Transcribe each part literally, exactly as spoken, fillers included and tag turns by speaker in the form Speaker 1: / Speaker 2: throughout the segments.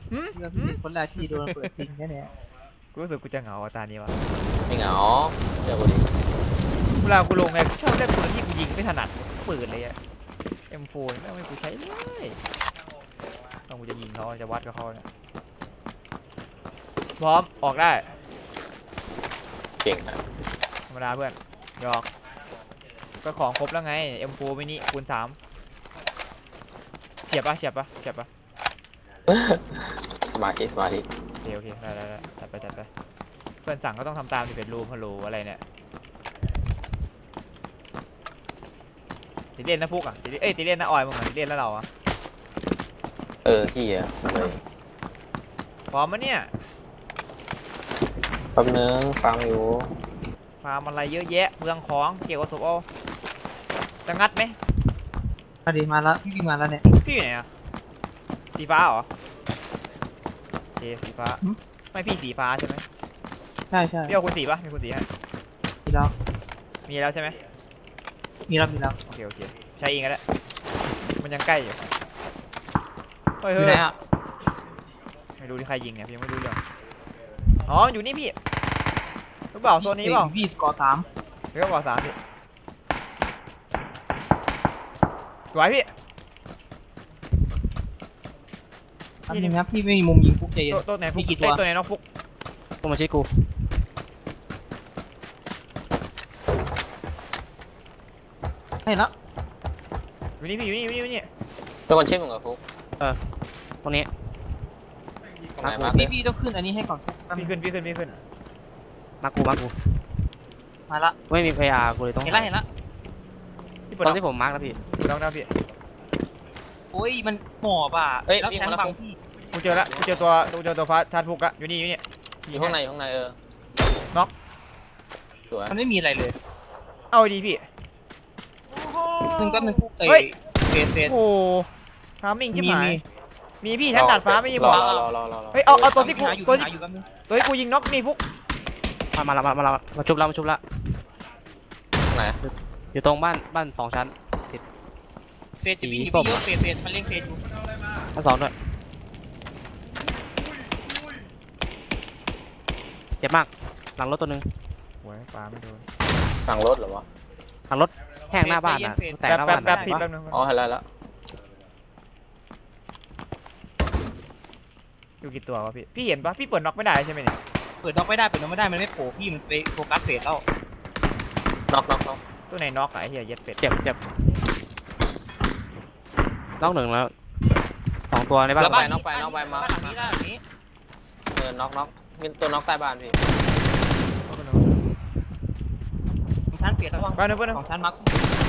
Speaker 1: หืม
Speaker 2: เพื่อพี่เป็นคนแรกที่โดนเปิดทิ้งแค่นี้
Speaker 1: กูรู้สึกกูจะเหงาอ่ะตานี้วะ
Speaker 3: ไม่เหงาเจอกูดิ
Speaker 1: เวลากูลงไงชอบเล่นปืนที่กูยิงไม่ถนัดปืนเลยอะ เอ็ม โฟร์ ไม่ไม่กูใช้เลยต้องกูจะยิงเขาจะวัดกับเขาเนี่ยพร้อมออกได้
Speaker 3: เก่งนะ
Speaker 1: ธรรมดาเพื่อนหยอกก็ของครบแล้วไง เอ็ม โฟร์ มินิคูณสามเฉียบปะเฉียบปะเฉียบปะ
Speaker 3: สมาธิสมาธิ
Speaker 1: โอเคโอเคได้ได้ได้จัดไปจัดไปเพื่อนสั่งก็ต้องทำตามที่เป็นรูมฮัลโหลอะไรเนี่ยติเล่นนะฟุกอ่ะติเอ้ยติเล่นนะออยมึงอ่ะติเล่นแล้วเราอ่ะ
Speaker 3: เออที่อ่ะมาเลย
Speaker 1: พร้อมมะเนี่ย
Speaker 3: แป๊บนึงฟังอยู่
Speaker 1: ฟาร์มอะไรเยอะแยะเมืองของเกี่ยวกับศพเอาจะงัดไหม
Speaker 2: มาดีมาแล้วพี่วิ่งมาแล้วเนี่ย
Speaker 1: พี่อยู่ไหนอ่ะสีฟ้าเหรอโอเคสีฟ้าไม่พี่สีฟ้าใช่ไหม
Speaker 2: ใช่ใช่
Speaker 1: พี่เอาคุณสีปะมีคุณสีฮะ
Speaker 2: มีแล้ว
Speaker 1: มีแล้วใช่ไหม
Speaker 2: มีแล้วมีแล้ว
Speaker 1: โอเคโอเคใช้เองก็ได้มันยังใกล้อยู่เฮ้ย
Speaker 2: อ
Speaker 1: เฮ้
Speaker 2: ยู่
Speaker 1: ย
Speaker 2: ไหนอ่ะ
Speaker 1: ไม่รู้ที่ใครยิงเนี่ยพี่ยังไม่รู้เรื่องอ๋ออยู่นี่พี่รู้เปล่าโซนนี้เปล่า
Speaker 2: พี่กอสาม
Speaker 1: เรียกว่าสามพี่สวยพี่
Speaker 2: อันนึงครับพี่ไม่มีมุมยิงปุ๊บใจเย็น
Speaker 1: ตัวตัวไหนฟุก
Speaker 2: มีกี่ตัว
Speaker 1: เอ้ยตัวไหนน้องฟุก
Speaker 4: พวกมาช่วยกู
Speaker 2: ให้แล้ว
Speaker 1: อยู่นี่พี่อยู่นี่อยู่นี่อยู่นี่
Speaker 3: เป็นคนเช่นมึงเหรอฟุก
Speaker 4: ตรงนี้
Speaker 3: ตรงไหนมา
Speaker 2: พี่พี่ต้องขึ้นอันนี้ให้ก่อน
Speaker 1: พี่ขึ้นพี่ขึ้นพี่ขึ้น
Speaker 4: มากูมากู
Speaker 2: มาละ
Speaker 4: ไม่มีพยากูเลยต้อง
Speaker 2: เห็นละเห็นละ
Speaker 1: พี่เปิด
Speaker 4: ตอ
Speaker 1: น้
Speaker 4: น
Speaker 1: อง
Speaker 4: ที่ผมมาร์กแล้วพี่
Speaker 1: เปิดน้องนะพี่
Speaker 2: โอ้ยมันหมอบอ่ะแล้วแทงบังพี่
Speaker 1: กูเจอละกูเจอตัวกูเจอตัวฟ้าชาร์จฟุกละอยู่นี่อยู่นี่
Speaker 3: อยู่ข้างในอยู่ข้างในเออ
Speaker 1: น็อก
Speaker 3: สวย
Speaker 2: มันไม่มีอะไรเลย
Speaker 1: เอาดีพี่
Speaker 2: หนึ่งแป๊บนึงปุ๊บเอ้
Speaker 1: เฮ้ย
Speaker 2: ยเฟสเฟส
Speaker 1: โอ้ทามมิ่งชิบ
Speaker 2: มี
Speaker 1: หาย
Speaker 2: มี
Speaker 1: มีพี่ชั้นดาดฟ้าไม่มี
Speaker 3: ร
Speaker 1: บ
Speaker 3: อ
Speaker 1: อก
Speaker 3: รอรอรอรอ
Speaker 1: เฮ้ยเอาเอาตัวที่กู
Speaker 2: หาอยู่
Speaker 1: ตัว
Speaker 2: หา
Speaker 1: ที่
Speaker 2: อยู่แป๊บนึง
Speaker 1: ตัวที่กูยิงน็อกนี่ฟุก
Speaker 4: มามาแล้วมามาแล้วมาชุบแล้วมาชุบแล้ว
Speaker 3: ตรงไหน
Speaker 4: อยู่ตรงบ้านบ้านสองชั้นสิบ
Speaker 2: เฟสจะวิ่งอยู่
Speaker 4: ส้ม
Speaker 2: พี่เยอะเฟสเฟสมันเล่นเฟสอยู่
Speaker 4: ชั้นสองด้วยเจ็บมากหลังรถตัวหนึง
Speaker 1: โอ้ยปลาไม่โดน
Speaker 3: สั่งรถเหรอวะ
Speaker 4: หลังรถแห้งหน้าบ้านนะแตก
Speaker 1: แป๊บ
Speaker 4: หน้า
Speaker 1: แป๊
Speaker 4: บ้า
Speaker 1: บ
Speaker 4: น
Speaker 1: แป๊บ
Speaker 4: นะ
Speaker 1: พี่แป๊บนึง
Speaker 3: อ๋อเห็นแล้วแล้ว
Speaker 1: อยู่กี่ตัววะพี่พี่เห็นปะพี่เปิดน็อกไม่ได้ใช่ไหมเนี่ย
Speaker 2: เปิดน็อกไม่ได้เปิดน็อกไม่ได้มันไม่โผล่พี่มันไปโฟกัสเฟสแล้ว
Speaker 3: น็อกน็อกน็อก
Speaker 1: ตัวไหนน็อกอะไอ้เหี้ยเย็ดเป็ด
Speaker 4: เจ็บเจ็บน้องหนึ่งแล้วสองตัวในบ้าน
Speaker 3: น็อกไปน็อกไปน็อกไปมา
Speaker 2: บ้านหลังนี้บ้านหลังนี้
Speaker 3: เออน็อกน็อกมีตัวน็อกใต้บ้านพี่
Speaker 2: ของชั้นเฟสระวัง
Speaker 1: แป๊บนึงแป๊บนึง
Speaker 2: ของชั้นมัก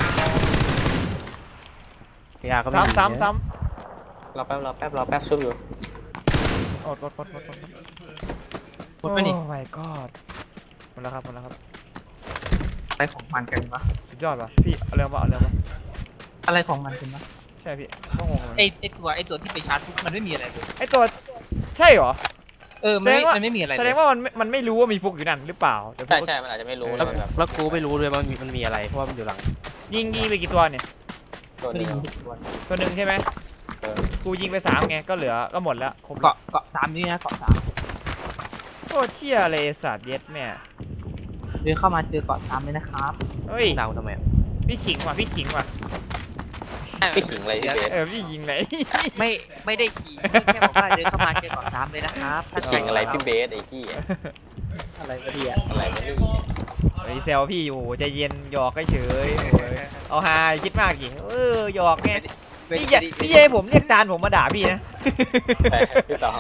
Speaker 4: พยาก็ไม่มี
Speaker 1: ซ้ำซ้ำซ้
Speaker 3: รอแป๊บรอแป๊บรอแป๊บชุบอยู่
Speaker 1: ำโอดโอดโอดโอดโอด
Speaker 2: หมดไปนี่
Speaker 1: โอ้ my god หมดแล้วครับหมดแล้วครับ
Speaker 2: อะไรของมันกันวะ
Speaker 1: สุดยอดว่ะพี่เอาเรื่องมาเอาเรื่องมา
Speaker 2: อะไรของมันกันวะ
Speaker 1: ใช่พี่ต้องงงเลย
Speaker 2: ไอไอตัวไอตัวที่ไปชาร์จปุ๊บมันไม่มีอะไรเลย
Speaker 1: ไอตัวใช่เหรอ
Speaker 2: เออมันไม่
Speaker 1: แสดงว่า
Speaker 2: มันไม่มีอะไรเลย
Speaker 1: แสดงว่ามันไม่มันไม่รู้ว่ามีฟุกอยู่นั่นหรือเปล่าแต่ฟุ
Speaker 3: ใช่
Speaker 1: ก
Speaker 3: ใช่มันอาจจะไม่รู้
Speaker 4: แล้ว
Speaker 3: เลยแบบ
Speaker 4: แล้วกูไม่รู้ด้วยว่ามันมีมันมีอะไรเพราะว่ามันอยู่หลัง
Speaker 1: ยิงยิงไปกี่ตัวเนี่ย
Speaker 3: ตัว
Speaker 2: ไม่
Speaker 3: เดี
Speaker 2: ได้
Speaker 3: ยว
Speaker 2: ยิงผิดตัว
Speaker 1: ตัวหนึ่งใช่ไหม
Speaker 3: เออ
Speaker 1: กูยิงไปสามไงก็เหลือก็หมดแล้วครบ
Speaker 2: เกาะเกาะสามนี่นะเกาะสาม
Speaker 1: โคตรเชี่ยเลยสัตว์เย็ดแม่
Speaker 2: เดินเข้ามาเจอเกาะสามเลยนะครับ
Speaker 1: เฮ้ย
Speaker 4: ดาวทำไมอะ
Speaker 1: พี่ขิงว่ะพี่ขิงว่ะ
Speaker 3: พี่ขิงอะไรพี่เบส
Speaker 1: เออพี่ยิงไหน
Speaker 2: ไม่ไม่ได้ขี่แค่บอกว่าเดินเข้ามาเจอเกาะสามเลยนะครับถ้า
Speaker 3: ขิงอะไรพี่เบสไอ้ขี้ย
Speaker 2: อะไรก็ดีอ่ะ
Speaker 3: อะไรวะนี่
Speaker 1: ไอ้เซลพี่อยู่ใจเย็นหยอกเฉยๆโอ้ยเอาฮาคิดมากดิเออหยอกไงพี่อย่าพี่เย่ผมเรียกจานผมมาด่าพี่นะ
Speaker 3: ไปพี่ต่อ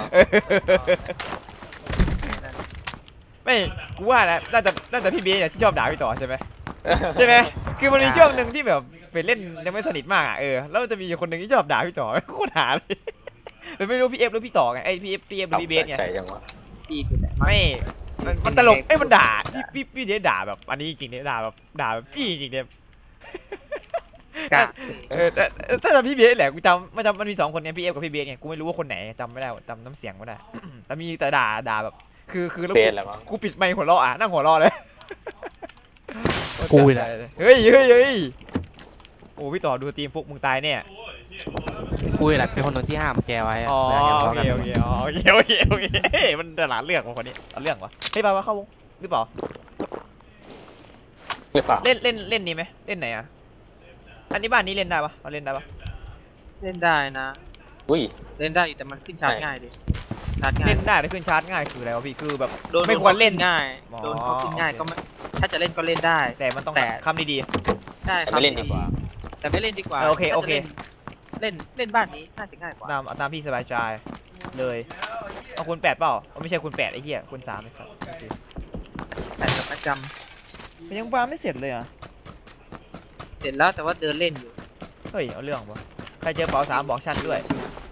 Speaker 1: ไม่กูว่านะน่าจะน่าจะพี่เบสเนี่ยที่ชอบด่าพี่ต่อใช่ไหมใช่ไหมคือมันมีช่วงหนึ่งที่แบบเป็นเล่นยังไม่สนิทมากอ่ะเออแล้วมันจะมีคนหนึ่งที่ชอบด่าพี่ต่อโคตรหาเลยแต่ไม่รู้พี่เอฟหรือพี่ต่อไงไอ้พี่เอฟพี่เอฟหรือพี่เบสไง
Speaker 3: ใจจังวะ
Speaker 2: ดีสุดแหละ
Speaker 1: ไม่มันมันตลกเอ้ยมันด่าพี่พี่พี่เดชด่าแบบอันนี้จริงๆเนี่ยด่าแบบด่าแบบจี้จริงๆเนี่ย
Speaker 2: กะ
Speaker 1: เออแต่แต่แต่พี่เบสแหละกูจำมันจำมันมีสองคนเนี่ยพี่เอฟกับพี่เบสไงกูไม่รู้ว่าคนไหนจำไม่ได้จำน้ำเสียงไม่ได้ แต่มีแต่ด่าด่าแบบคือคือแล้ว
Speaker 3: เบ
Speaker 1: กู
Speaker 3: สแหละมั้ง
Speaker 1: กูปิดไมค์หัวเราะอ่ะนั่งหัวเราะเลย
Speaker 4: กูเลย
Speaker 1: เฮ้ยเฮ้ยเฮ้ยโอ้พี่ต่อดูทีมฟุกมึงตายเนี่ย
Speaker 4: กูนี่แหละเป็นคนหนึ่งที่ห้ามแกไว้ะ
Speaker 1: อ๋อ
Speaker 4: วลาแก
Speaker 1: โอ
Speaker 4: ทะ
Speaker 1: เค
Speaker 4: เลาะ
Speaker 1: โอ
Speaker 4: กัน
Speaker 1: เคอ๋อโอเคโอเคโอเคเฮ้ยมันตลาดเลือกว่ะคนนี้เอาเรื่องวะเฮ้ยไปว่าเข้าวงหรือเปล่า
Speaker 3: หรือเปล่า
Speaker 1: เล่นเล่นเล่นนี้ไหมเล่นไหนอ่ะอันนี้บ้านนี้เล่นได้ปะเราเล่นได้ปะ
Speaker 2: เล่นได้นะ
Speaker 3: อุ้ย
Speaker 2: เล่นได้อยู่แต่มันขึ้นชาร์จ
Speaker 3: ใช่
Speaker 2: ง่ายดิชาร์จง่าย
Speaker 1: เล่นได้แต่ขึ้นชาร์จง่ายคืออะไรวะพี่คือแบบ
Speaker 2: โดน
Speaker 1: ไม่ควรเล่น
Speaker 2: ง่าย
Speaker 1: อ๋อ
Speaker 2: โดนเขาขึ้นง่าย
Speaker 1: โอเค
Speaker 2: ก็ไม่ถ้าจะเล่นก็เล่นได้
Speaker 1: แต่มันต้อง
Speaker 2: แต่
Speaker 1: คำดี
Speaker 2: ใช่
Speaker 3: แต่ไม่เล่นดีกว่า
Speaker 2: แต่ไม่เล่นดีกว่า
Speaker 1: เออโอเค
Speaker 2: ถ้าจะ
Speaker 1: โอเค
Speaker 2: เล่นเล่นเล่นบ้านนี้น่าจะง่ายกว่า
Speaker 1: ๆตามเอาตามพี่สบายใจเลยเอาคุณแปดเปล่าเอาไม่ใช่คุณแปดไอ้เหี้ยคุณสามไอ้สัสโอเค
Speaker 2: แต่กับประจ
Speaker 1: มันยังวางไม่เสร็จเลยอ่ะ
Speaker 2: ำเสร็จแล้วแต่ว่าเดินเล่นอยู่
Speaker 1: เฮ้ยเอาเรื่องวะใครเจอเป๋าสามบอกชั้นด้วย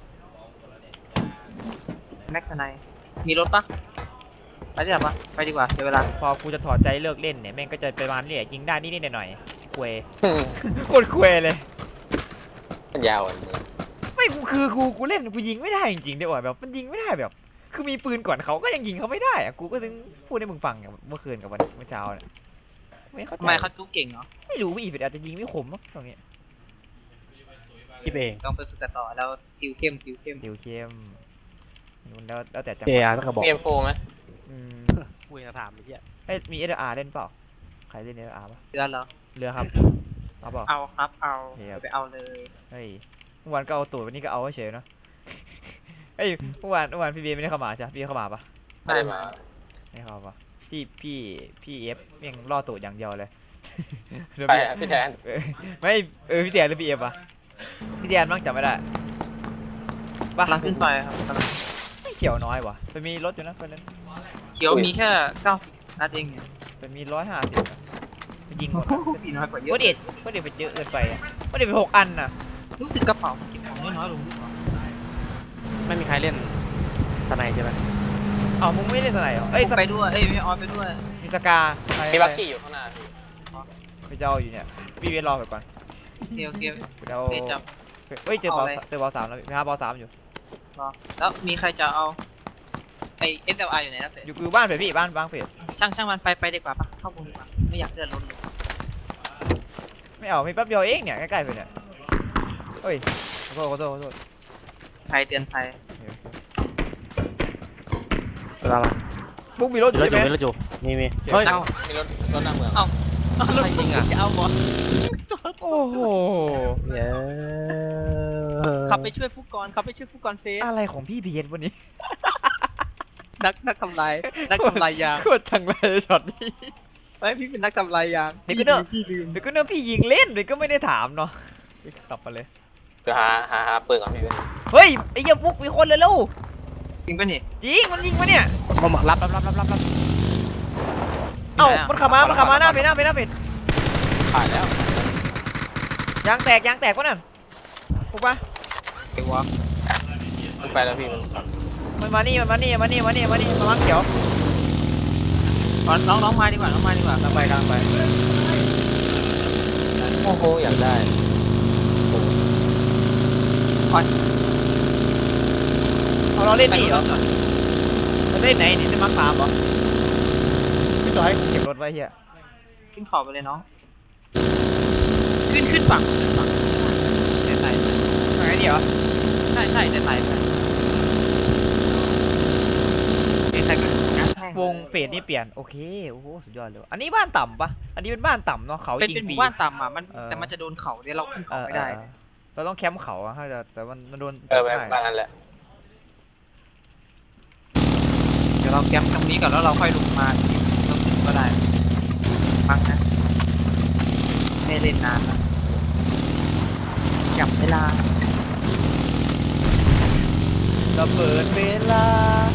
Speaker 2: แม็กซ์ไนมีรถปะไปดีกว่าปะไปดีกว่าเดี๋ยวเวลา
Speaker 1: พอกูจะถอดใจเลิกเล่นเนี่ยแม่งก็จะประมาณนี้แหละยิงได้นิดๆหน่อยๆคุย
Speaker 3: อืม
Speaker 1: โคตรคุยเลย
Speaker 3: มันยาวอันนี้
Speaker 1: ไม่กูคือกูกูเล่นกูยิงไม่ได้จริงๆเดี๋ยวแบบมันยิงไม่ได้แบบ คือมีปืนก่อนเขาก็ยังยิงเขาไม่ได้อะกูก็ถึงพูดให้มึงฟังอย่างเมื่อคืนกับวันเมื่อเช้าเนี่ยไม่เข้าใจ
Speaker 2: ทำไมเขาจุกเก่งเนาะ
Speaker 1: ไม่รู้พี่อีฟิตอาจจะยิงไม่คมมั้งตรงนี้
Speaker 4: คิดเอง
Speaker 2: ต้องไปฝึกกันต่อแล้วคิวเข้มคิวเข้ม
Speaker 1: ดิวเข้มนู่นแล้วแล้วแต่จังห
Speaker 4: เจ
Speaker 1: วะ
Speaker 4: อาร์ต้องกระบอก
Speaker 3: มีเอ็มโฟไหม
Speaker 1: อืม
Speaker 4: กูจะถามไอ้เหี้ย
Speaker 1: เอ้ยมีเออาร์เล่นเปล่าใครเล่นเออาร์ปะ
Speaker 2: เดือนเหรอ
Speaker 1: เรือครับเอาเปล่า
Speaker 2: เอาครับเอา
Speaker 1: เดี๋ยว
Speaker 2: ไปเอาเลย
Speaker 1: เฮ้ยเมื่อวานก็เอาตูดวันนี้ก็เอาเฉยๆเนาะเฮ้ยเมื่อวานเมื่อวานพี่เบียร์ไม่ได้เข้ามาใช่ปะพี่เข้ามาปะ
Speaker 3: ไม่ได้มา
Speaker 1: ไม่เข้าปะพี่พี่พี่เอฟยังล่อตูดอย่างเดียวเลย เดี๋ยว
Speaker 3: ไป
Speaker 1: พี่
Speaker 3: อะพี่แทน
Speaker 1: เออไม่เออพี่แดนหรือพี่เอฟอะพี่แดนมั้งจำไม่ได้ปะ
Speaker 2: กำลังขึ้นไปครับกำลัง
Speaker 1: ไม่เขียวน้อยวะเป็นมีรถอยู่นะเป็นนั้น
Speaker 2: เขียวมีแค่เก้าสิบนัดเองเนี่ย
Speaker 1: เป็นมีร้อยห้าสิบยิงหมด
Speaker 2: ปีน้อยกว่าเยอะ
Speaker 1: ก็เด็ดก็เด็ดไปเยอะเกินไปอะก็เด็ดไปหกอันน่ะ
Speaker 2: รู้สึกกระเป๋ามันเก็บของน้อยๆลงด้วยเหรอ
Speaker 4: ไม่มีใครเล่นสไนใช่ไหม
Speaker 1: เอ้ามึงไม่เล่นสไนเหรอเอ้ย
Speaker 2: ผมไปด้วยเอ้ยไม่ออนไปด้วย
Speaker 1: มีสกาใคร
Speaker 3: มีบักกี้อยู่ข้างหน้าพี่
Speaker 1: ไปเจ้าอยู่เนี่ยพี่เวทรอไปก่อน
Speaker 2: โอเคโอเค
Speaker 1: ไปเจ้า
Speaker 2: เบสจับ
Speaker 1: เฮ้ยเจอเบอล
Speaker 2: เอาอะไร
Speaker 1: เจอเบอลสามแล้วพี่หาเบอลสามอยู่
Speaker 2: รอแล้วมีใครจะเอาไอเอสเอลอาร์อยู่ไหนนะเฟร
Speaker 1: อยู่คือบ้านเฟรพี่บ้านบ้านเฟร
Speaker 2: ช่างช่างมันไปไปดีกว่าปะเข้าวงดีกว่าไม่อยากเลื่อนรถเลย
Speaker 1: ไม่เอาไม่แป๊บเดียวเองเนี่ยใกล้ๆไปเนี่ยเฮ้ยขอโทษขอโทษขอโทษ
Speaker 2: ภัยเตือนภัย
Speaker 4: เวลามา
Speaker 1: มุกมีรถอ
Speaker 4: มี
Speaker 1: ยู่
Speaker 4: รถ
Speaker 1: ใช่
Speaker 4: อยู่
Speaker 1: ไหม
Speaker 4: มีรถอยู่มีมีเฮ้ย
Speaker 2: เอ้า
Speaker 3: มีรถรถหน้าเมือง
Speaker 2: เอ้า
Speaker 4: ใครยิงอ่ะ
Speaker 2: จะเอาบอล
Speaker 1: โอ้โห
Speaker 4: เย้
Speaker 2: ขับไปช่วยผู้กองขับไปช่วยผู้กองเฟส
Speaker 1: อะไรของพี่เบียร์วันนี้
Speaker 2: นักนักทำลายนักทำลายยาง
Speaker 1: โคตรจังเลยช็อตนี้
Speaker 2: ไอ้ยพี่เป็นนักทำลายยาง
Speaker 1: เดี๋ยวก็เนอะ
Speaker 2: พี่ลืม
Speaker 1: เดี๋ยวก็เนอะพี่ยิงเล่นเดี๋ยวก็ไม่ได้ถามเนาะกลับมาเลย
Speaker 3: เดี๋ยวหาหาหาปืนก่อนพี่เว้ย
Speaker 1: เฮ้ยไอ้เหี้ยฟุกมีคนเลยลูก
Speaker 2: จริงปะนี่
Speaker 1: จริงมันยิงมาเนี่ย
Speaker 4: มามารับรับรับรับรับรับ
Speaker 1: เอ้ามันขับมามันขับมาหน้าเพจหน้าเพจหน้าเพจ
Speaker 3: ผ่านแล้ว
Speaker 1: ยางแตกยางแตกวะนั่นฟุกปะ
Speaker 2: ไอ้วะ
Speaker 3: มันไปแล้วพี่มัน
Speaker 1: มันมานี่มันมานี่มานี่มานี่มานี่มามังเขียว
Speaker 2: น้องน้องน้องมาดีกว่าน้องมาดีกว่าก
Speaker 1: ำลังไปกำลังไป
Speaker 3: โอ้โหอยากได้
Speaker 1: เอาเราเล่น
Speaker 2: ไป
Speaker 1: นี่
Speaker 2: ร
Speaker 1: เหรอ
Speaker 2: ถก่อน
Speaker 1: เราเล่นไหนนี่เล่นมังสามเหรอพี่ต่อให้กูเก็บรถไว้เฮีย
Speaker 2: ขึ้นขอบไปเลยน้องขึ้นขึ้นฝั่งขึ้นฝั่งเดี๋ยวใส่
Speaker 1: ทางไหนดีเหรอ
Speaker 2: ใช่ใช่เดี๋ยวใส่ไปเดี๋ยวใส่ก็งัดแม่ง
Speaker 1: วงเฟสนี่เปลี่ยนโอเคโอ้โหสุดยอดเลยอันนี้บ้านต่ำปะอันนี้เป็นบ้านต่ำเนาะเขา
Speaker 2: เป็น
Speaker 1: จริ
Speaker 2: เป็น
Speaker 1: ง
Speaker 2: ห
Speaker 1: ฟรี
Speaker 2: มู่บ้านต่ำอ่ะมัน
Speaker 1: เออ
Speaker 2: แต่มันจะโดนเขาเดี๋ยวเราขึ้น
Speaker 1: เอ
Speaker 2: เขา
Speaker 1: อ
Speaker 2: ไม่
Speaker 1: เอ
Speaker 2: ได้
Speaker 1: อเราต้องแคมป์เขาอะถ้าจะแต่มันมันโดน
Speaker 3: เออไป
Speaker 1: ได้
Speaker 3: บ้านนั้นแหละ
Speaker 2: เดี๋ยวเราแกมตรงนี้ก่อนแล้วเราค่อยลงมาเราขึ้นก็ได้ฟังนะไม่เล่นนานแล้วจับเวลา
Speaker 1: ระเบิดเวลา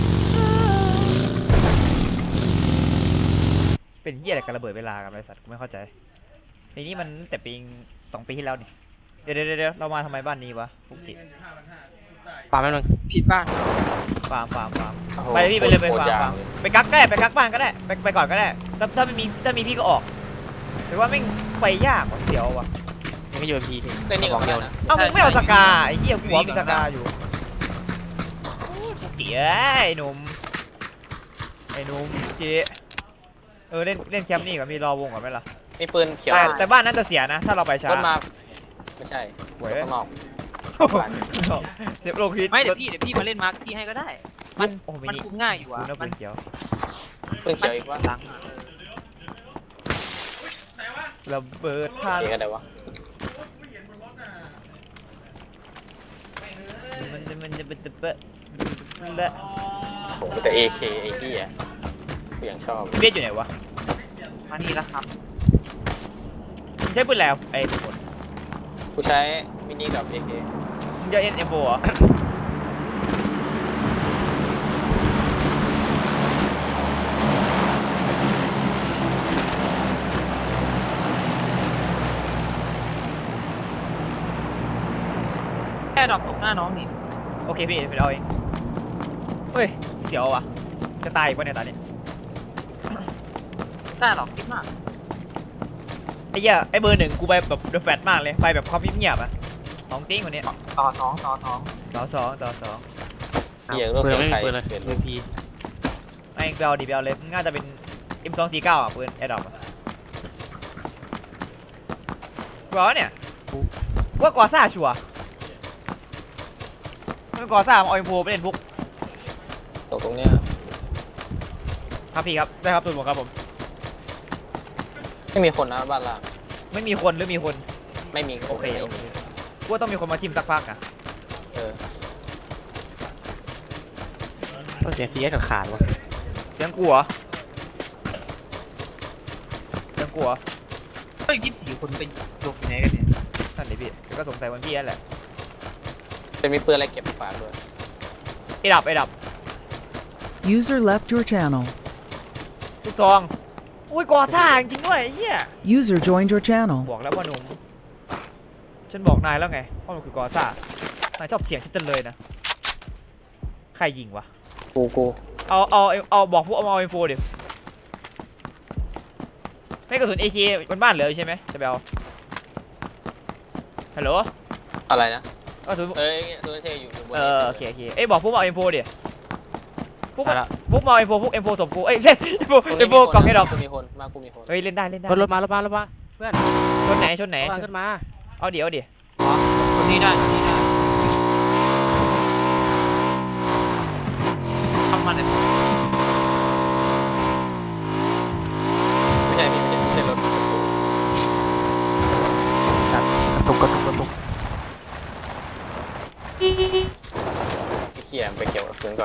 Speaker 1: เป็นเหี้ยอะไรกันระเบิดเวลากันบริษัทกูไม่เข้าใจในนี้มันแต่ปีสองปีที่แล้วนี่เดี๋ยวเดี๋ยวเดี๋ยวเรามาทำไมบ้านนี้วะฟุกจิ
Speaker 4: ปาแป๊บนึง
Speaker 2: ผิดบ้าน
Speaker 1: ฟาร์มฟาร์มฟาร์ม
Speaker 3: โอ้โห
Speaker 1: ไปพี่ไปเลยไป
Speaker 3: โคต
Speaker 1: ฟาร์ม
Speaker 3: ยาว
Speaker 1: ฟาร์มไปกักก็ได้ไปกักบ้านก็ได้ไปไปก่อนก็ได้ถ้าถ้าไม่มีถ้ามีพี่ก็ออกแต่ว่าไม่งไปยากว่ะเสียวว่ะ
Speaker 4: ยังไม่โยนพีที
Speaker 3: เล่นนี่ก่อนก็ได้นะ
Speaker 1: เอ้ามึงไม่เอาสกาไอ้เหี้ยหัวมีสกาอยู่โอ้ยฟุกจิเอ้ยไอ้หนุ่มไอ้หนุ่มเจ๊เออเล่นเล่นแคมป์นี่ก่อนมีรอวงก่อนไหมล่ะ
Speaker 3: มีปืนเขียว
Speaker 1: แต่แต่บ้านนั้นจะเสียนะ ถ้าเราไปช้าร
Speaker 3: ถมาไม่ใช่
Speaker 1: หวย
Speaker 3: รถข้างนอก
Speaker 1: โอ้โหเซฟโลคิด
Speaker 2: ไม่เดี๋ยวพี่เดี๋ยวพี่มาเล่นมาร์คที่ให้ก็ได้ มัน
Speaker 1: โอ้มิ
Speaker 2: มัน
Speaker 1: นิ
Speaker 2: คุมง่ายอยู่
Speaker 1: กู
Speaker 2: อ่ะ
Speaker 1: น่า
Speaker 2: มั
Speaker 1: ปื
Speaker 2: น
Speaker 1: นเขียว
Speaker 3: เพิ่งเขียวอีกว่า
Speaker 2: หลัง
Speaker 1: ระเบิดพลาด
Speaker 3: เขียวกันได้วะ
Speaker 1: มันจะมันจะเป็นจะเปะและ
Speaker 3: ผมแต่ เอ เค ไอ้ที่อ่ะกูยังชอบ
Speaker 1: เบียดอยู่ไหนวะ
Speaker 2: มานี่แล้วครับ
Speaker 1: มึงใช้ปืนแล้วไอ้ทุกคน
Speaker 3: กูใช้มินิกับ เอ เค
Speaker 1: มึงจะเอ็นเอ็มโฟเหรอ
Speaker 2: แค่ดรอปตกหน้าน้องนี่
Speaker 1: โอเคพี่ไปเอาเองเฮ้ยเสียวว่ะจะตายอีกปะเนี่ยตอนนี้
Speaker 2: ได้หรอกคิดมาก
Speaker 1: ไอ้เหี้ยไอ้เบอร์หนึ่งกูไปแบบเดอะแฟตมากเลยไปแบบความเงียบๆอะของจริงคนนี้
Speaker 2: ต่อสองต่อสอง
Speaker 1: ต่อสองต่อสอง
Speaker 3: เหี้ยโลก
Speaker 4: ปืน
Speaker 3: เสียง
Speaker 4: ไม่
Speaker 3: ไท
Speaker 4: มี
Speaker 3: ย
Speaker 4: ปืนเลย
Speaker 3: เปลี่ยน
Speaker 4: เอ็มพี
Speaker 1: ไอ้เบลดีเบลเลยน่าจะเป็น เอ็ม สอง สี่ เก้าอ่ะปืนแอร์ดรอปอะกูเอาเนี่ยว่ากอซ่าชัวร์มันกอซ่ามาเอาเอ็มโฟไปเล่นพวก
Speaker 3: ตกตรงเนี้ย
Speaker 1: ครับพี่ครับได้ครับตัวผมครับผม
Speaker 3: ไม่มีคนนะบ้านล่าง
Speaker 1: ไม่มีคนหรือมีคน
Speaker 3: ไม่มี
Speaker 1: โอเค
Speaker 3: ไม่
Speaker 1: โอ
Speaker 3: มี
Speaker 1: เคกูว่าต้องมีคนมาทิมสักพักอ่ะ
Speaker 3: เออ
Speaker 4: ต้องเสียงพีเอสขาดวะ
Speaker 1: เสียงกูเหรอเสียงกูเหรอ
Speaker 2: เฮ้ยยี่สิบสี่คนไปหลบอยู่ไหนกันเนี่ย
Speaker 1: นั่นดิพี่ก็สงสัยวันพี่นั่นแหละ
Speaker 3: จะมีปืนอะไรเก็บฝากด้วย
Speaker 1: ไอ้ดับไอ้ดับ
Speaker 5: User left your channel.
Speaker 1: ลูกซองอุ้ยกอซ่าจริงๆด้วยไอ้เหี้ย
Speaker 5: User joined your channel.
Speaker 1: บอกแล้วพ่อหนุ่มฉันบอกนายแล้วไงพ่อหนุ่มคือกอซ่านายชอบเถียงฉันจังเลยนะใครยิงวะ
Speaker 3: กูกู
Speaker 1: เอาเอาเอาบอกพวกเอาเอาเอ็มโฟดิให้กระสุน เอ เค บนบ้านเหลือใช่ไหมจะไปเอาฮัลโหล
Speaker 3: อะไรนะ
Speaker 1: กระสุน
Speaker 3: เอ้ยโซนเทอยู่อยู่บน
Speaker 1: เออโอเคโอเคเอ้ยบอกพวกเอาเอ็มโฟดิพวก
Speaker 4: ไปละ
Speaker 1: พวกมาเอ็มโฟพวกเอ็มโฟสมกูเอ้ยเอ็มโฟ
Speaker 3: ตรง
Speaker 1: เอ็
Speaker 3: นี้
Speaker 1: มโฟ
Speaker 3: มีคน
Speaker 1: กล่องให้ดอก
Speaker 3: กูมีคนมากูมีคน
Speaker 1: เฮ้ยเล่นได้เล่นได้
Speaker 4: รถมารถมารถมาเพื่อน
Speaker 1: ชนไหนชนไหน
Speaker 4: รถมาขึ้นมา
Speaker 1: เอาเดี๋ยวดิ
Speaker 2: คนนี้ได้คนนี้ได้ทำมาเนี่ย
Speaker 3: ไม่ใช่พี่ไม่ใช่ไม่ใช่รถ
Speaker 4: กระตุกกระตุกกระตุก
Speaker 3: ไอ้เหี้ยไปเกี่ยวกับปืนก่อน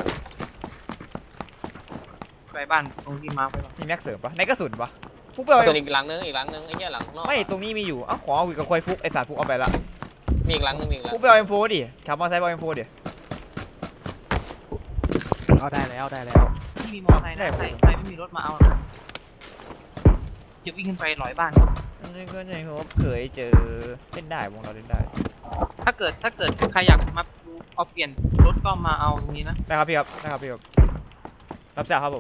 Speaker 2: ไปบ้านตรงที่มาไปก่อน
Speaker 1: มีแม็กเสริมปะในกระสุนปะฟุกไปเอา
Speaker 3: ส่วนอีกหลังนึงอีกหลังนึงไอ้เหี้ยหลังข้างนอก
Speaker 1: ไม่ตรงนี้มีอยู่เอ้าขอเอาอีกกับควายฟุกไอสารฟุกเอาไปละ
Speaker 3: มีอีกหลังนึงมีอีกหลัง
Speaker 1: ฟุกไปเอาเอ็มโฟดิขับมอเตอร์ไซค์ไปเอาเอ็มโฟดิ
Speaker 4: เอาได้แล้วได้แล้ว
Speaker 2: ที่มีมอเตอร์ไซค์นะใครใครไม่มีรถมาเอาหรอกจะวิ่งขึ้นไปหลอยบ้าน
Speaker 1: นี่ก็ในหัวเคยเจอเล่นได้วงเราเล่นได้
Speaker 2: ถ้าเกิดถ้าเกิดใครอยากมาดูเอาเปลี่ยนรถก็มาเอาตรงนี้นะ
Speaker 1: ได้ครับพี่ครับได้ครับพี่ครับรับจ้างครับผม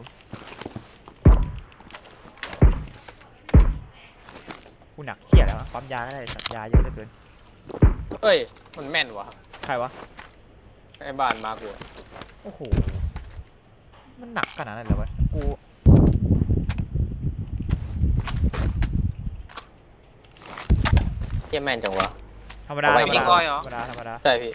Speaker 1: กูหนักเครียดแล้วอะปั๊มยาก็ได้สัตยาเยอะเหลือเกิน
Speaker 3: เอ้ยมันแม่นวะ
Speaker 1: ใครวะ
Speaker 3: ไอ้บ้านมากู
Speaker 1: โอ้โหมันหนักขนาดนั้นเลยวะกู
Speaker 3: เหี้ยแม่นจังวะ
Speaker 1: ธรรมดา
Speaker 3: เอา
Speaker 1: ธร
Speaker 3: ไว้
Speaker 1: รม
Speaker 3: ยิ
Speaker 1: ดาง
Speaker 3: ก้อย
Speaker 1: ธรรมดาธรรมดา
Speaker 3: ใช่พี่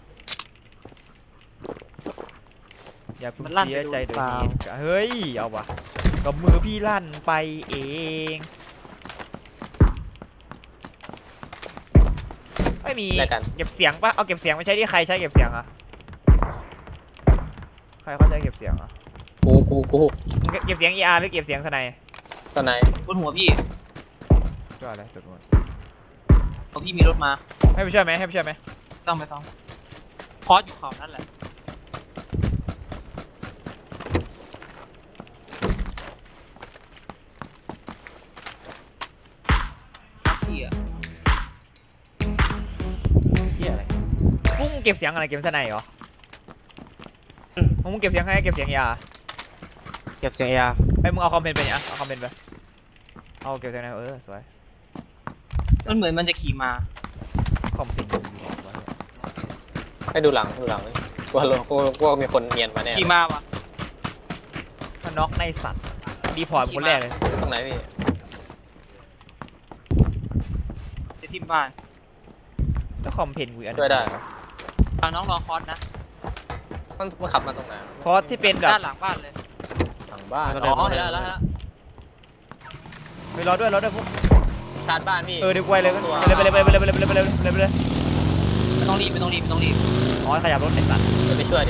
Speaker 1: อย่าเพิ่งเสียใจโดยเหตุการณ์เฮ้ยเอาวะกับมือพี่ลั่นไปเองไม่มี
Speaker 3: ได้กัน
Speaker 1: เก็บเสียงปะเอาเก็บเสียงไม่ใช่ที่ใครใช้เก็บเสียงอะใครเขาใช้เก็บเสียงอะ
Speaker 3: กูกูกู
Speaker 1: มึงเก็บเสียง อี อาร์ หรือเก็บเสียงสไน
Speaker 3: ตอนไหน
Speaker 2: บนหัวพี่
Speaker 1: ก็อะไรสุดหมด
Speaker 2: พอพี่มีรถมา
Speaker 1: ให้ไปช่วยไหมให้ไปช่วยไหม
Speaker 2: ต้องไปต้องพอสอยู่เขานั่นแหละพี่อะ
Speaker 1: เหียอะไรพวกมึงเก็บเสียงอะไรเก็บสไนเหรอมึงเก็บเสียงให้เก็บเสียง อี อาร์
Speaker 4: เก็บเสียงเออาร์
Speaker 1: ไอ้ยมึงเอาคอมเพนไปเนี่ยเอาคอมเพนไปเอาเก็บเสียงไหนเออสวย
Speaker 2: มันเหมือนมันจะขี่มา
Speaker 1: คอมเพนอยู่ไหนวะ
Speaker 3: ให้ดูหลังดูหลังกูว่ากูกูว่ามีคนเนียนมาแน่
Speaker 2: ขี่มาวะ
Speaker 1: ถ้าน็อกในสัตว์ดีพอร์ตคนแรกเลย
Speaker 3: ตรงไหนพี่
Speaker 2: จะทิมบ้าน
Speaker 1: แล้วคอมเพนกูอีกอันหนึ่ง
Speaker 3: ช่วยได้
Speaker 2: ทางน้องรอคอร์สนะ
Speaker 3: มันมันขับมาตรงไหน
Speaker 1: คอร์สที่เป็นแบบ
Speaker 2: ด้านหลังบ้านเลย
Speaker 3: หลังบ้านอ๋อเห็นแล้วแล้วแล้ว
Speaker 1: ไปรอด้วยรอด้วยพวก
Speaker 3: ชาร์จบ้านพี่
Speaker 1: เออเดี๋ยวกูไปเลยไปเลยไปเลยไปเลยไปเลยไปเลยไปเลยไปเลย
Speaker 2: ไม่ต้องรีบไม่ต้องรีบไม่ต้องรีบ
Speaker 1: อ๋อขยับรถไอ้สัตว์
Speaker 3: จะไปช่วยดิ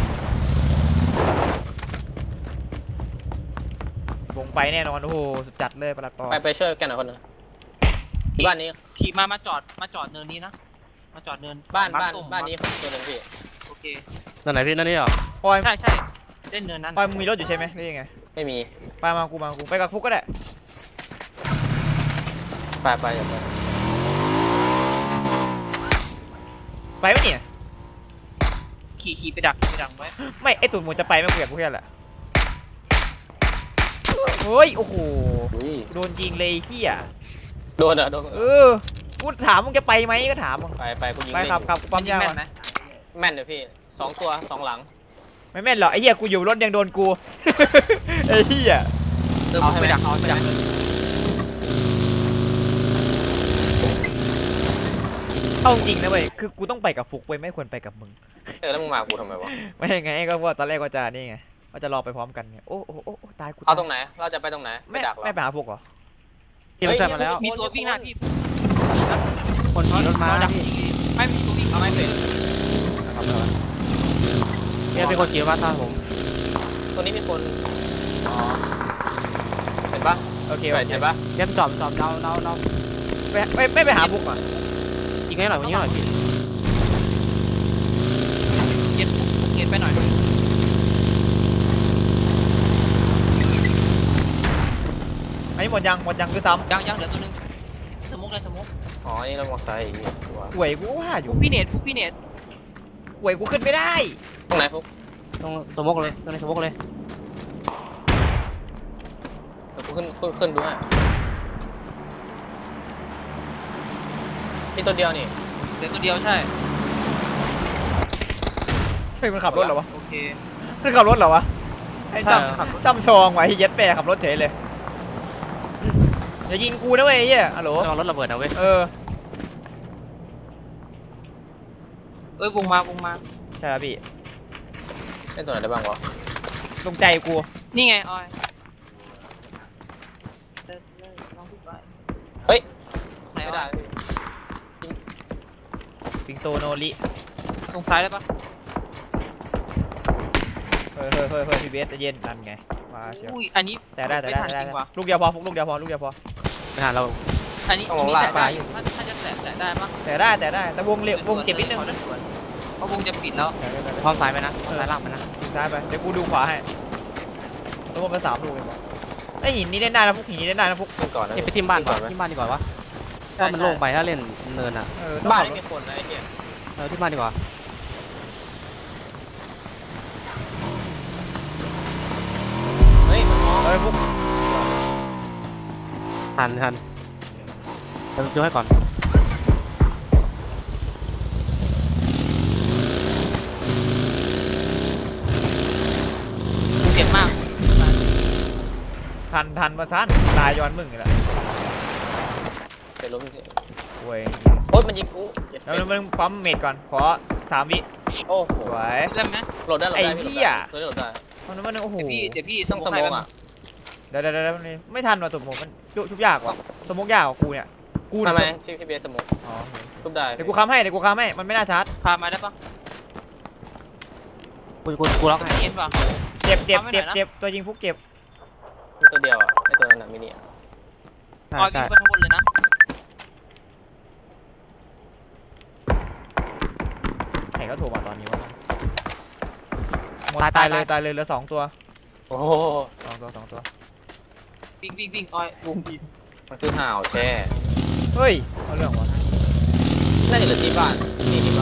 Speaker 1: วงไปแน่นอนโอ้โหสุดจัดเลยปลัดปอ
Speaker 3: ไปไปช่วยแกหน่อยคนหนึงบ้านนี้
Speaker 2: ขี่มามาจอดมาจอดเนินนี้นะมาจอดเนิน
Speaker 3: บ้าน
Speaker 2: มร์ค
Speaker 3: บ้าน
Speaker 2: ส้ม
Speaker 3: บ้านนี้ตัวหนึงพี่
Speaker 2: โอเค
Speaker 4: นั่นไหนพี่นั่นนี่เหรอ
Speaker 1: ปอย
Speaker 2: ใช่ใช่เล่นเนินนั้น
Speaker 1: ปอยมึงมีรถอยู่ใช่ไหมหรือยังไง
Speaker 3: ไม่มี
Speaker 1: ไปมากูมากูไปกับฟุกก็ได้
Speaker 3: ไปไปอย่าไป
Speaker 1: ไปไหมเนี่ย
Speaker 2: ขี่ขี่ไปดักขี่ไปดักไว้
Speaker 1: ไม่ไอตุ่นมึงจะไปไหม่กูอยากกูแค่แหละเฮ้ยโอ้โห
Speaker 3: อุ้ย
Speaker 1: โดนยิงเลยไอ้เหี้ย
Speaker 3: โดนเหรอโดน
Speaker 1: เออกูถามมึงจะไปไหมก็ถามมึง
Speaker 3: ไปไปกูยิง
Speaker 1: ไป
Speaker 3: เล่น
Speaker 1: ขับขับกูปั๊ม
Speaker 2: ยิง
Speaker 1: ยาว
Speaker 2: แม่น
Speaker 1: อะ
Speaker 2: ไหม
Speaker 3: แม่นเลยพี่สองตัวสองหลัง
Speaker 1: ไม่แม่นหรอกไอ้เหี้ยกูอยู่รถยังโดนกู ไอ้เหี้ย
Speaker 2: เออ
Speaker 3: เอา
Speaker 2: มึง
Speaker 3: ให้
Speaker 2: ไป
Speaker 3: ไป
Speaker 2: ดั
Speaker 3: ดั
Speaker 2: ก
Speaker 3: กเอา
Speaker 2: ไป
Speaker 3: ไป
Speaker 2: ดั
Speaker 3: ดั
Speaker 2: ก
Speaker 3: ก
Speaker 1: เอาจริงนะเว้ยคือกูต้องไปกับฟุกเว้ยไม่ควรไปกับมึง
Speaker 3: เออแล้วมึงมากูทำไมวะ
Speaker 1: ไม่ไงก็ว่าตอนแรกว่าจะนี่ไงว่าจะรอไปพร้อมกันไงโอ้โอ้โอ้โอ้ตายกู
Speaker 3: เอาตรงไหนเราจะไปตรงไหนไป
Speaker 1: ไม่
Speaker 3: ดักเหรอ
Speaker 1: ไม่ไปหาฟุกเหรอ
Speaker 4: พี่รถแซมมาแล้ว
Speaker 2: มีตัววิ่งหน้าพี่
Speaker 4: คนขี่รถมา
Speaker 2: ดัก
Speaker 4: พี่
Speaker 2: ยิงไม่มีตัววิ่ง
Speaker 3: เอาไม่เป็น
Speaker 4: เนี่ยเป็นคนขี่รถมาตามผม
Speaker 3: ตัวนี้มีคนอ๋อเห็นปะ
Speaker 1: โอเค
Speaker 3: เห็น
Speaker 1: โอเค
Speaker 3: เห็นปะ
Speaker 4: เนี่ยจอดจอดเราเราเรา
Speaker 1: ไม่ไม่ไม่ไปหาฟุกอ่ะ
Speaker 4: ยิงให้หน่อยยิงให้หน่อยพี่
Speaker 2: เย็นเย็นไปหน่อย
Speaker 1: อันนี้หมดยังหมดยังคือซ้
Speaker 2: ยังยังเหลือตัวนึงสมุกเลยสมุก
Speaker 3: อ๋อนี่เรามอไซค์อีกตัว
Speaker 1: ำหวยกูว่าอยู่
Speaker 2: ฟุกพี่เนตฟุกพี่เนต
Speaker 1: หวยกูขึ้นไม่ได้
Speaker 3: ตรงไหนฟุก
Speaker 4: ตรงสมกเลยตรงในสมกเลย
Speaker 3: เดี๋ยวกูขึ้นขึ้นขึ้นดูฮะมีตัวเดียวนี่
Speaker 2: เหลือตัวเดียวใช่
Speaker 1: เฮ้ยมันขับรถเหรอวะ
Speaker 2: โอเค
Speaker 1: มันขับรถเหรอวะไอ้จำจำชองไว้เย็ดแปรขับรถเฉยเลยอย่ายิงกูนะเว้ยไอ้เหี้ยฮัลโหล
Speaker 4: ระวังรถระเบิดนะเว้ย
Speaker 1: เออ
Speaker 2: เอ้ยวงมาวงมา
Speaker 1: ใช่ครับพี่
Speaker 3: เล่นตัวไหนได้บ้างวะ
Speaker 1: ลงใจกู
Speaker 2: นี่ไงออย
Speaker 3: เฮ้ย
Speaker 2: ไหน
Speaker 3: ไม่
Speaker 2: วะ
Speaker 3: ได้
Speaker 1: ปิงโตโนริ
Speaker 2: ตรงซ้ายได้ปะ
Speaker 1: เฮ้ยเฮ้ยเฮ้ยเฮ้ยพี่เบสใจะเย็นนั่นไงมาเชียว
Speaker 2: อุ้ยอันนี้
Speaker 1: แต่ได้แต่ได้แต่ได้
Speaker 2: ม่ทันจริงว่ะ
Speaker 1: ลูกเดียวพอฟุกลูกเดียวพอลูกเดียวพอ
Speaker 4: ไม่หาเรา
Speaker 2: อันนี้อันนี้แตะได้อยู่ถ้าถ้าจะแตะแตะได้ปะ
Speaker 1: แต่ได้แต่ได้แต่วงเร็ววงเก็บนิดนึงนะ
Speaker 2: เพราะวงจะปิดแล้ว
Speaker 1: แต่ได้แต่ได้
Speaker 4: พร้อมซ้ายไปนะซ้ายล่างไปนะ
Speaker 1: ซ้ายไปเดี๋ยวกูดูขวาให้ตัวมันสามลูกเลยบอกไอ้หินนี้เล่นได้นะฟุกหินนี้เล่นได้นะฟุก
Speaker 3: เล่นก่อนนะ
Speaker 4: เอ้ยไปทิมบ้านก่อนทิมบ้านดีกว่าวะถ้ามันโล่งไปถ้าเล่นเนินอ่ะ
Speaker 1: เออต้อง
Speaker 3: บ้าน
Speaker 1: ขับรถ
Speaker 3: ไม่มีคนนะไอ้เหี้ย
Speaker 4: เออที่บ้านดีกว่า
Speaker 3: เฮ้ยมันมอง
Speaker 1: เออฟุก
Speaker 4: ทันทันเราดูให้ก่อน
Speaker 2: เจ็บมาก
Speaker 1: ทันทันมาสั้นตายย้อนมึงเลยละ
Speaker 3: เป็นรถพี่
Speaker 1: โว้ย
Speaker 3: โอ๊ยมันยิงกูเจ็บ
Speaker 1: แล้วมึงปั๊มเมดก่อนขอสามวิ
Speaker 3: โอ้โห
Speaker 1: สวย
Speaker 2: ได้ไหม
Speaker 3: โหลดได้โหลดได้
Speaker 1: ไอ้
Speaker 3: พี่
Speaker 1: เหี้ย
Speaker 3: โหลดได้โหลดได้
Speaker 1: มันมันโอ้โห
Speaker 2: เดี๋ยวพี่เดี๋ยวพี่
Speaker 3: ต้องสมองอ่ะ
Speaker 1: เดี๋ยวเดี๋ยวเดี๋ยวนี่ไม่ทันว่ะตุ่มผมมันชุบชุบยากว่ะสมกยากกว่ากูเนี่ยกู
Speaker 3: ทำ
Speaker 1: เนี่ย
Speaker 3: ไมพี่พี่เบสสมอง
Speaker 1: อ๋อ
Speaker 3: ทุบได้
Speaker 1: เดี๋ยวกูค้ำให้เดี๋ยวกูค้ำให้มันไม่น่าชาร์จ
Speaker 2: พามาได้ปะ
Speaker 4: กูกูกูล็อกให้
Speaker 2: เย็นปะ
Speaker 1: เจ็บเจ็บ
Speaker 2: ค้ำไว้หน่
Speaker 1: เจ็
Speaker 2: อบ ยนะ
Speaker 1: เจ็บตัวยิงฟุกเจ็บ
Speaker 3: มีตัวเดียวอ่ะไอ้ตัวนั้นน่ะมินิอ่ะ
Speaker 4: ใช่
Speaker 2: ออยวิ่
Speaker 4: ใช่
Speaker 2: งไปข้างบนเลยนะ
Speaker 1: ใครก็โทรมาตอนนี้วะหมดตายเลยตายเลยเหลือสองตัว
Speaker 3: โอ้โห
Speaker 1: สองตัวสองตัว
Speaker 2: วิ่งวิ่งวิ่งออยวงบีบ
Speaker 3: มันคือห่าวแช่
Speaker 1: เฮ้ยเอาเรื่องวะ
Speaker 3: น่าจะเหลือที่บ้านนี่ที่บ้าน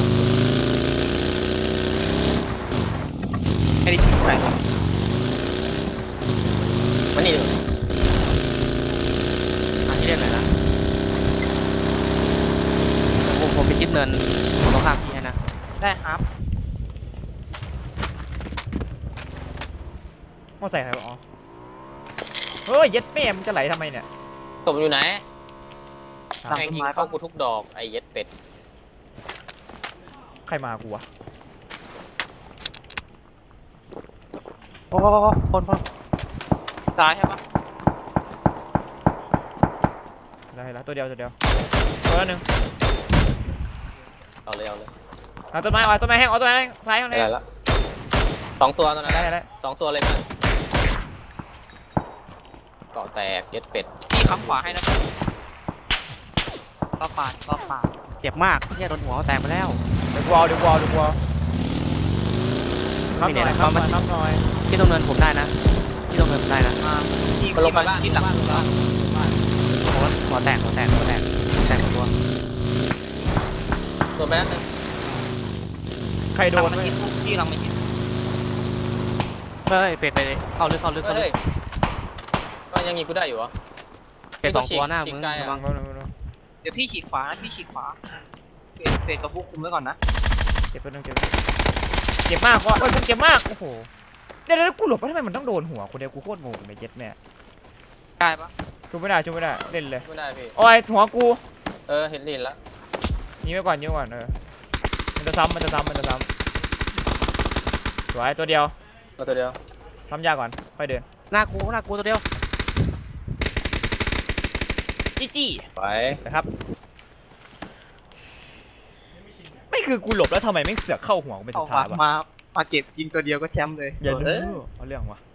Speaker 2: ไม่ได้ทิ้งไป
Speaker 3: มันนี่ดีกว่า
Speaker 4: อันที่เล่นหน่อยนะผมผมไปชิดเนินผมต้องข้ามพี่ให้นะ
Speaker 2: ได้ครับ
Speaker 1: มอใส่ใครวะอ๋อเฮ้ยเย็ดแม่มึงจะไหลทำไมเนี่ย
Speaker 3: ตบมันอยู่ไหน
Speaker 2: หลัง
Speaker 3: แม่ง
Speaker 2: ต้น
Speaker 3: ยิง
Speaker 2: ไม้
Speaker 3: เข้า
Speaker 2: ปะ
Speaker 3: กูทุกดอกไอ้เย็ดเป็ด
Speaker 1: ใครมากูวะ
Speaker 4: โอ้โหคนคน
Speaker 2: ซ้ายใช่ปะ
Speaker 1: ได้แล้วตัวเดียวตัวเดียวตัวละหนึ่ง
Speaker 3: เอาเลยเอาเลย
Speaker 1: เอาต้นไม้เอาต้นไม้แห้งเอาต้นไม้แห้งซ้ายข้างใน
Speaker 3: ได้แล้วสองตัวตอนนั้น
Speaker 1: ได้ได้
Speaker 3: สองตัวเลยมั้ยเกาะแตกเย็ดเป็ด
Speaker 2: พี่ค้ำขวาให้นะรอบปาดรอบปาด
Speaker 4: เจ็บมากเฮียโดนหัวแตกไปแล้ว
Speaker 1: เดี๋ยวกูเอาเดี๋ยวกูเอาเดี๋ยวกูเอานับหน่อยนับหน่อยนับหน่อย
Speaker 4: ที่ต้องเนินผมได้นะที่ต้องเนินผมได้นะ
Speaker 2: มาที่
Speaker 3: มันลงไปบ้าน
Speaker 2: ที่หลัง
Speaker 3: บ้านบ้านบ้าน
Speaker 4: หัวหัวแตกหัวแตกหัวแตกแตกหมดตัว
Speaker 3: ตัวไปนั่นนึง
Speaker 1: ใครโด
Speaker 2: โด
Speaker 1: น
Speaker 2: น
Speaker 1: เว้ย
Speaker 2: ที่ที่เราไม่เห็น
Speaker 4: เฮ้ยเฟดไปเลยเข้าลึกเข้าลึกเข้าลึ
Speaker 3: เฮ้ย
Speaker 4: ก
Speaker 3: ก็ยังยิงกูได้อยู่เหรอ
Speaker 4: เฟดสองตัวหน้า
Speaker 3: ฉี
Speaker 4: มึ
Speaker 3: ก
Speaker 4: ง
Speaker 3: ไกลอะ
Speaker 4: ระวัง
Speaker 2: เดี๋ยวพี่ฉีกขวานะพี่ฉีกขวาเฟดเฟดกับพวกคุมไว้ก่อนนะ
Speaker 1: เจ็บตัวนึงเจ็บเจ็บมากวะโอ้ยมึงเจ็บมากโอ้โหเดี๋ยวแล้วกูหลบไปทำไมมันต้องโดนหัวคนเดียวกูโคตรงงไม่เจ็ดแม่
Speaker 2: ได้ปะ
Speaker 1: ช่วยไม่ได้ช่วยไม่ได้เล่นเลย
Speaker 3: ไม่ได้พี่
Speaker 1: โอ้ยหัวกู
Speaker 3: เออเห็นดินแล้ว
Speaker 1: ยิงไว้ก่อนยิงไว้ก่อนเออมันจะซ้ำมันจะซ้ำมันจะซ้ำสวยตัวเดียว
Speaker 3: เราตัวเดียว
Speaker 1: ซ้ำยากก่อนค่อยเดิน
Speaker 4: หน้ากูหน้ากูตัวเดียว
Speaker 1: จี้จี้
Speaker 3: ไป
Speaker 1: นะครับไม่คือกูหลบแล้วทำไมไม่เสือกเข้าหัวกูเป็น
Speaker 2: เอา
Speaker 1: สุดท้ายวะ
Speaker 2: มามาเก็บยิงตัวเดียวก็แชมป์เลย
Speaker 1: อย่า
Speaker 2: เอ
Speaker 1: ดู
Speaker 2: อ
Speaker 1: เอาเรื่องวะ